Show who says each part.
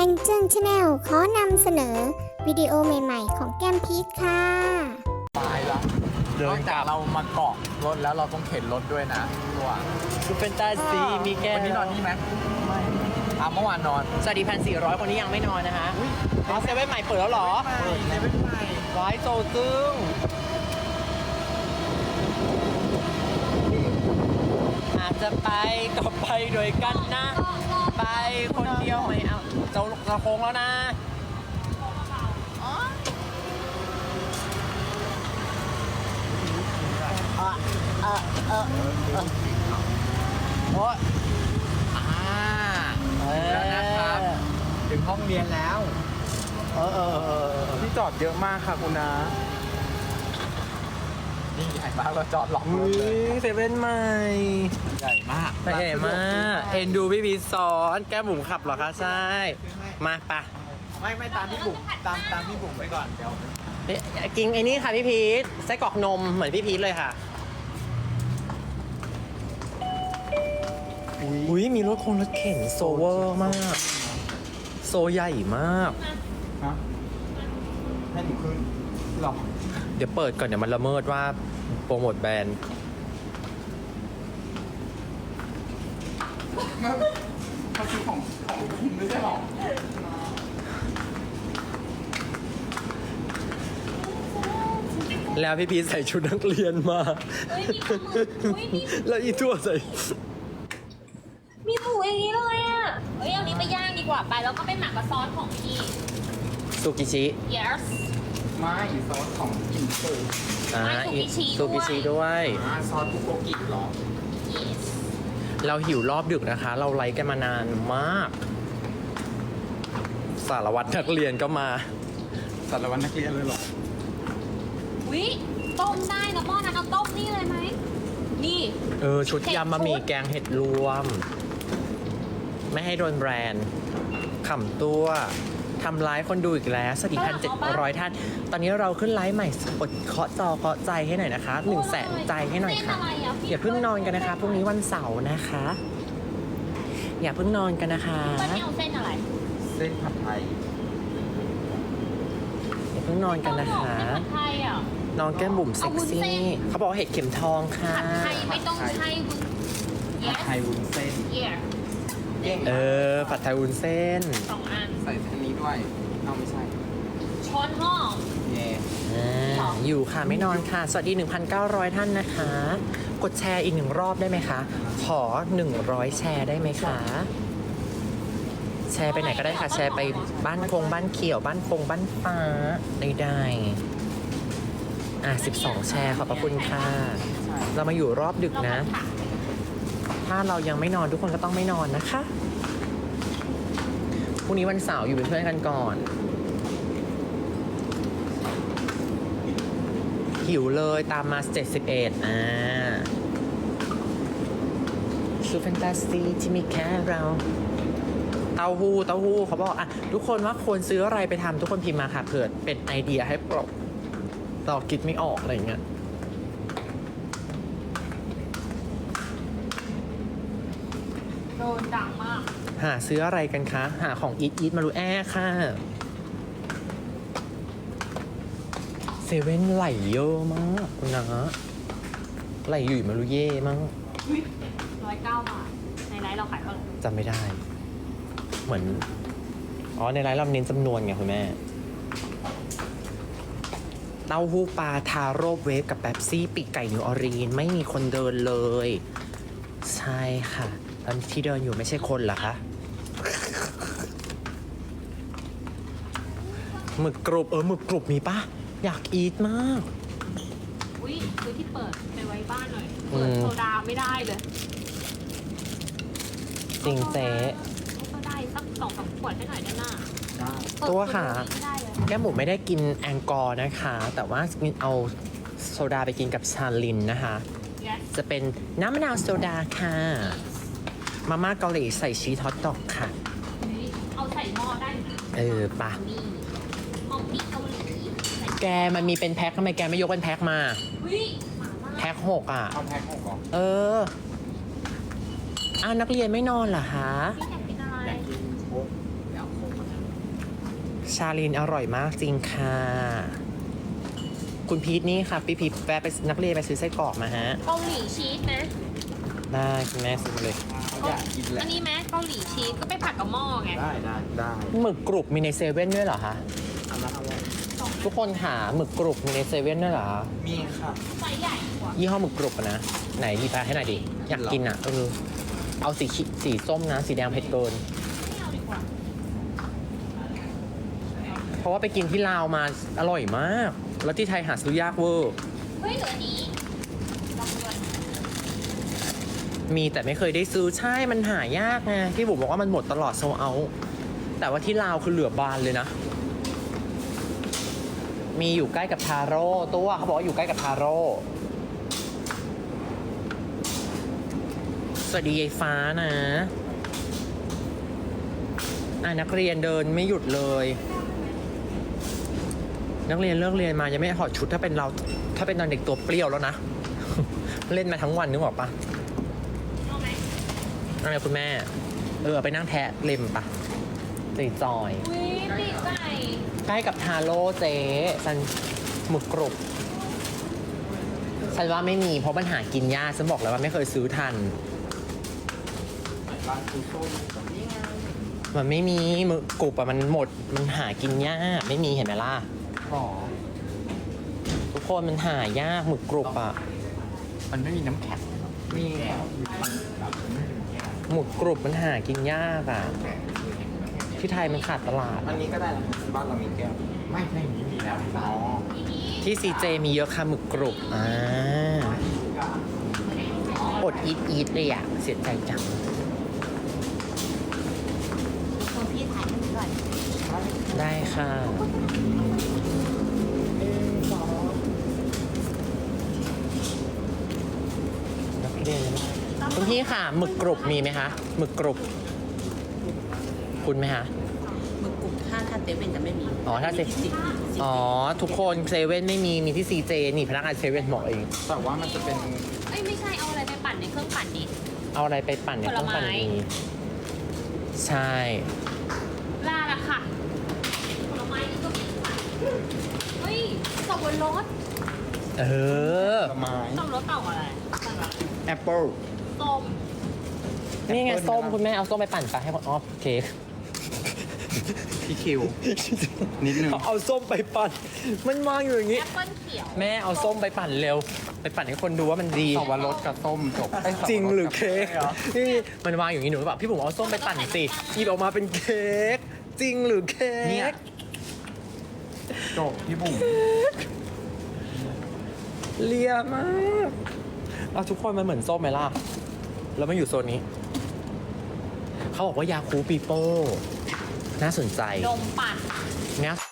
Speaker 1: นเจิ้งชาแนลขอนำเสนอวิดีโอใหม่ๆของแก้มพีชค่ะ
Speaker 2: ตายละนอกจากเรามาเกาะรถแล้วเราต้องเข็นรถด้วยนะตัว
Speaker 3: คือเป็นตาสีมีแก้ว
Speaker 2: วันนี้นอนนี่ไหมไม่เมื่อวานนอน
Speaker 3: สวัสดี1,400 คนนี้ยังไม่นอนนะฮะอ๋อเซเว่นใหม่เปิดแล้วเหรอ
Speaker 2: เปิดเซเว่นใหม่
Speaker 3: ว้ายโซตึงอาจจะไปก็ไปด้วยกันนะ ไปคนเดียวไม่เอาจะโค้งแล้วนะโอ้ย
Speaker 2: แล้วนะครับถึงห้องเรียนแล้วที่จอดเยอะมากค่ะคุณนะนี่ใหญ่มากเราจอดหลอกรถเลย
Speaker 3: เซเว่นใหม่
Speaker 2: ใหญ่มาก
Speaker 3: ใหญ่มากเอ็นดูพี่พีชซ้อนแก้มบุ๋มขับเหรอคะใช่มาปะ
Speaker 2: ไม่ตามพี่บุ๋มตามพี่บุ๋มไว้ก่อนเดี๋ยว
Speaker 3: กินไอ้นี่ค่ะพี่พีชไส้กรอกนมเหมือนพี่พีชเลยค่ะอุ้ยมีรถรถเข็นโซเวอร์มากโซใหญ่มาก
Speaker 2: ฮะให้หนูขึ้นหรอ
Speaker 3: เดี๋ยวเปิดก่อนเดี๋ยวมันละเมิดว่าโปรโมทแบรนด์
Speaker 2: เขาซื้อของคุณไม่ใช่หรอ
Speaker 3: แล้วพี่พีชใส่ชุดนักเรียนมา
Speaker 4: เฮ้ยมีปลาหมึกเฮ้ยมี
Speaker 3: แล้วอีตัวใส่
Speaker 4: มีหมูอย่างนี้เลยอ่ะเฮ้ยเอานี้ไปย่างดีกว่าไปแล้วก็ไปหมักกับซอสของพี่
Speaker 3: ซูกิชิ
Speaker 4: yes
Speaker 2: ไม่ซอสของกินปู
Speaker 4: ไม่ซูกิชิด้วย
Speaker 3: ซูกิชิด้วย
Speaker 2: ซอสบุโกกิเหรอ
Speaker 4: yes
Speaker 3: เราหิวรอบดึกนะคะ เราไลฟ์กันมานานมาก สารวัตรนักเรียนก็มา
Speaker 2: สารวัตรนักเรียนเลยเหรอ
Speaker 4: วิต้มได้นะหม้อนั้นเอาต้มนี่เลยไหมนี่
Speaker 3: ชุดยำบะหมี่แกงเห็ดรวม ไม่ให้โดนแบรนด์ขำตัวทำไลฟ์คนดูอีกแล้วสวัสดี1,700 ท่าน ตอนนี้เราขึ้นไลฟ์ใหม่กดเคาะจอเคาะใจให้หน่อยนะคะ100,000 ใจให้หน่อยค่ะ อย่าเพิ่งนอนกันนะคะพรุ่งนี้วันเสาร์นะคะ อย่าเพิ่งนอนกันนะคะ
Speaker 4: วันนี้เอาเส้นอะไร
Speaker 2: เส้นผัดไทย
Speaker 3: อย่าเพิ่งนอนกันนะคะ
Speaker 4: เส้นผัดไทยอ่ะ
Speaker 3: น้องแก้มบุ๋มเซ็ก
Speaker 4: เอาวุ้นเส้
Speaker 3: ซี่
Speaker 4: น
Speaker 3: เขาบอกว่าเห็ดเข็มทองค่ะ
Speaker 4: ผัดไทยไม่ต้องใช้วุ้น
Speaker 2: ผัด
Speaker 4: yes
Speaker 2: ไทยวุ้นเส้น
Speaker 4: yeah
Speaker 3: ผัดไทยวุ้นเส้น
Speaker 4: 2 อัน
Speaker 2: ใส่อันนี้ด้วยเอาไม่ใช่
Speaker 4: ช้อนห้อ
Speaker 2: เย่
Speaker 3: อยู่ค่ะไม่นอนค่ะ สวัสดี 1,900 ท่านนะคะ กดแชร์อีก1 รอบได้ไหมคะ ขอ 100 แชร์ได้ไหมคะ แชร์ไปไหนก็ได้ค่ะ แชร์ไปบ้านบ้านเขียวบ้านบ้านฟ้าได้12 แชร์ขอบพระคุณค่ะ เรามาอยู่รอบดึกนะ ถ้าเรายังไม่นอนทุกคนก็ต้องไม่นอนนะคะพรุ่งนี้วันเสาร์อยู่เป็นเพื่อนกันก่อนหิวเลยตามมา71ซูแฟนตาซีที่มีแค่เราเต้าหู้เขาบอกทุกคนว่าควรซื้ออะไรไปทำทุกคนพิมพ์มาค่ะเผื่อเป็นไอเดียให้เราคิดไม่ออกอะไรอย่างเงี้ย
Speaker 4: โดนดังมาก
Speaker 3: หาซื้ออะไรกันคะ หาของอีทมารูแอค่ะเซเว่นไหลเยอะมากคุณนะไหลอยู่มารูเย่มั้ง
Speaker 4: 109 บาท ในไลฟ์เราขายเท่าไหร่
Speaker 3: จำไม่ได้ เหมือนในไลน์เราเน้นจำนวนไงคุณแม่เต้าหู้ปลาทาโร่เวฟกับแป๊บซี่ปีกไก่นิวออรีนไม่มีคนเดินเลย ใช่ค่ะตอนที่เดินอยู่ไม่ใช่คนเหรอคะหมึกกรุบหมึกกรุบมีปะอยากอีทมาก
Speaker 4: อุ้ยซื้อที่เปิดไปไว้บ้านหน่อย เปิดโซดาไม่ได้เลย
Speaker 3: จริงเจ๊
Speaker 4: โซดาสัก2-3 ขวดให้หน่อยได้ไหม
Speaker 2: ได้
Speaker 3: ตัวค่ะ
Speaker 4: ไม่ได้เลย
Speaker 3: แก้มบุ๋มไม่ได้กินแองกอร์นะคะ แต่ว่าเอาโซดาไปกินกับชาลินนะคะ
Speaker 4: yes
Speaker 3: จะเป็นน้ำมะนาวโซดาค่ะ มาม่าเกาหลีใส่ชีสฮอตดอกค่ะ
Speaker 4: เอาใส่หม้อได้นะ
Speaker 3: ปะ
Speaker 4: นี่หม้อพริกเกาหลีใส่
Speaker 3: แกมันมีเป็นแพ็คทำไมแกไม่ยกเป็นแพ็คมา
Speaker 4: อุ้ยหมาล่า
Speaker 3: แพ็ค6
Speaker 2: เอาแพ็ค6ก่อน
Speaker 3: นักเรียนไม่นอนเหรอคะ
Speaker 4: พี่อยากกินอะไร
Speaker 2: อยากกินโค้กเดี๋ยวโค้กมา
Speaker 3: ชาลินอร่อยมากจริงค่ะ คุณพีทนี่ค่ะพี่พีทแวะไปนักเรียนไปซื้อไส้กรอกมาฮะ
Speaker 4: เกาหลีชีสไหม
Speaker 3: ได้คุณแม่ซื้อมาเลย
Speaker 2: อยากกินแหละ
Speaker 4: อันนี้ไหมเกาหลีชีสก็ไปผัดกับหม้อไง
Speaker 2: ได้
Speaker 3: หมึกกรุบมีในเซเว่นด้วยเหรอคะ
Speaker 2: อันนั้นเอาไว้
Speaker 3: ทุกคนหาหมึกกรุบมีในเซเว่นด้วยเหรอคะ
Speaker 2: มีค่ะ
Speaker 4: ไซส์ใหญ่กว่า
Speaker 3: ยี่ห้อหมึกกรุบอะนะ ไหนดีไปให้หน่อยดิ อยากกินอ่ะเอาสีส้มนะ สีแดงเผ็ดเกิน
Speaker 4: ไม่เอาดีกว่า
Speaker 3: เพราะว่าไปกินที่ลาวมาอร่อยมาก แล้วที่ไทยหาซื้อยากเวอร์
Speaker 4: เฮ้ยเหลืออันนี้ลองดูก่อน
Speaker 3: มีแต่ไม่เคยได้ซื้อใช่มันหายากไงที่บุ๋มบอกว่ามันหมดตลอดโซเอาแต่ว่าที่ลาวคือเหลือบานเลยนะ มีอยู่ใกล้กับทาโร่ตัวเขาบอกว่าอยู่ใกล้กับทาโร่สวัสดียายฟ้านะนักเรียนเดินไม่หยุดเลย นักเรียนเลิกเรียนมายังไม่ถอดชุดถ้าเป็นเราถ้าเป็นตอนเด็กตัวเปรี้ยวแล้วนะ เล่นมาทั้งวันนึกออกปะ
Speaker 4: เอาไหม
Speaker 3: อะไรคุณแม่ ไปนั่งแทะเล็มปะจอย
Speaker 4: อุ้ยปีกไก่
Speaker 3: ใกล้กับทาโร่เจ๊ซันหมึกกรุบฉันว่าไม่มีเพราะมันหากินยากฉันบอกแล้วว่าไม่เคยซื้อทัน
Speaker 2: ร้านคือส้มนี่ไง
Speaker 3: มันไม่มีหมึกกรุบอะมันหมดมันหากินยากไม่มีเห็นไหมล่ะ
Speaker 2: หรอ
Speaker 3: ทุกคนมันหายากหมึกกรุบอะ
Speaker 2: มันไม่มีน้ำแข็งมีแก้ว
Speaker 3: หมึกกรุบมันหากินยากอะที่ไทยมันขาดตลาด
Speaker 2: อันนี้ก็ได้นะบ้านเรามีแก้วไม่ในนี้มีแล้วอ๋อ
Speaker 3: ที่ซีเจมีเยอะค่ะหมึกกรุบอดอีทเลยอะเสียใจจัง
Speaker 1: คนพี่ถ่ายให้หนูก่อน
Speaker 3: ได้ค่ะ นักเรียนคุณพี่ค่ะหมึกกรุบมีไหมคะหมึกกรุบคุณไหมคะ
Speaker 5: หมึกกรุบถ้าเซเว่นจะไม่มี
Speaker 3: อ๋อถ้าเซ
Speaker 5: มีที่10
Speaker 3: อ๋อ ทุกคนเซเว่นไม่มีมีที่ซีเจนี่พนักงานเซเว่นบอกเอง
Speaker 2: แต่ว่ามันจะเป็น
Speaker 4: เอ้ยไม่ใช่เอาอะไรไปปั่นในเครื่องปั่นดิ
Speaker 3: เอาอะไรไปปั่นเนี่ย
Speaker 4: ผล
Speaker 3: ต้อง
Speaker 4: ไม้
Speaker 3: ปั่นนี้ใช่
Speaker 4: ลาละค่ะผลไม้นี่ก็มีค่ะเฮ้ยสับปะรด
Speaker 3: เออ
Speaker 2: ผลไม้
Speaker 4: สับปะรดเต่าอะไร
Speaker 2: แอปเปิ้ล
Speaker 4: ส้ม
Speaker 3: นี่ไง
Speaker 2: แอปเปิ้ล
Speaker 3: ส้ม
Speaker 2: ไหมล่ะ
Speaker 3: คุณแม่เอาส้มไปปั่นไปให้อ๋อเค้ก
Speaker 2: พี่คิว นิดนึง
Speaker 3: เอาส้มไปปั่น มันวางอยู่อย่างนี้
Speaker 4: แอปเปิ้ลเขียว
Speaker 3: แม่เอาส้มไปปั่นเร็ว ไปปั่นให้คนดูว่ามันดี
Speaker 2: สับปะรดกับส้มจบ
Speaker 3: จริงหรือเค้กนี่มันวางอยู่อย่างนี้หนูแบบพี่ผมเอาส้มไปปั่นสิหยิบออกมาเป็นเค้กจริงหรือเค้
Speaker 2: เนี่ย
Speaker 3: ก
Speaker 2: จบพี่บุ๋ม
Speaker 3: เลียมากเอาทุกคนมันเหมือนส้มไหมล่ะ แล้วมันอยู่โซนนี้ เขาบอกว่ายาคูปีโป้ น่าสนใจ
Speaker 4: นมปั่น
Speaker 3: งั้น